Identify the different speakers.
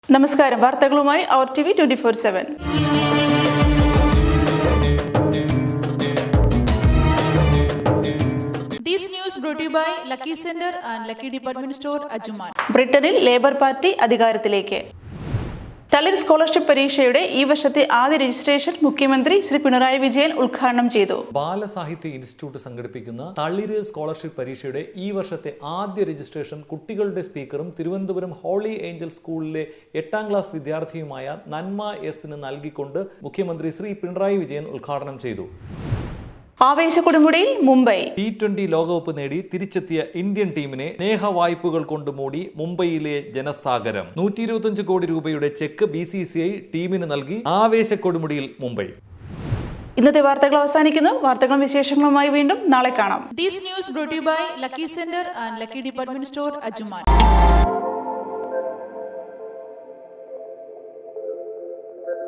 Speaker 1: നമസ്കാരം. വാർത്തകളുമായി അവർ TV 24/7.
Speaker 2: This news brought to you by Lucky Center and Lucky Department Store, Ajjuman.
Speaker 1: ബ്രിട്ടനിൽ Labour party അധികാരത്തിലേക്ക്. തളിർ സ്കോളർഷിപ്പ് പരീക്ഷയുടെ ഈ വർഷത്തെ ആദ്യ രജിസ്ട്രേഷൻ മുഖ്യമന്ത്രി ശ്രീ പിണറായി വിജയൻ ഉദ്ഘാടനം ചെയ്തു.
Speaker 3: ബാലസാഹിത്യ ഇൻസ്റ്റിറ്റ്യൂട്ട് സംഘടിപ്പിക്കുന്ന തളിര് സ്കോളർഷിപ്പ് പരീക്ഷയുടെ ഈ വർഷത്തെ ആദ്യ രജിസ്ട്രേഷൻ കുട്ടികളുടെ സ്പീക്കറും തിരുവനന്തപുരം ഹോളി ഏഞ്ചൽ സ്കൂളിലെ 8ാം ക്ലാസ് വിദ്യാർത്ഥിയുമായ നന്മ എസിന് നൽകിക്കൊണ്ട് മുഖ്യമന്ത്രി ശ്രീ പിണറായി വിജയൻ ഉദ്ഘാടനം ചെയ്തു.
Speaker 1: ആവേശക്കൊടുമുടിയിൽ മുംബൈ.
Speaker 3: T20 ലോകകപ്പ് നേടി തിരിച്ചെത്തിയ ഇന്ത്യൻ ടീമിനെ സ്നേഹവായ്പകൾ കൊണ്ട് മൂടി മുംബൈയിലെ ജനസാഗരം. 125 കോടി രൂപയുടെ ചെക്ക് BCCI ടീമിന് നൽകി. ആവേശക്കൊടുമുടിയിൽ മുംബൈ.
Speaker 1: ഇന്നത്തെ വാർത്തകൾ അവസാനിക്കുന്നു. വാർത്തകളും വിശേഷങ്ങളുമായി വീണ്ടും നാളെ കാണാം.
Speaker 2: This news brought to you by Lucky Center and Lucky Department Store, Ajjuman.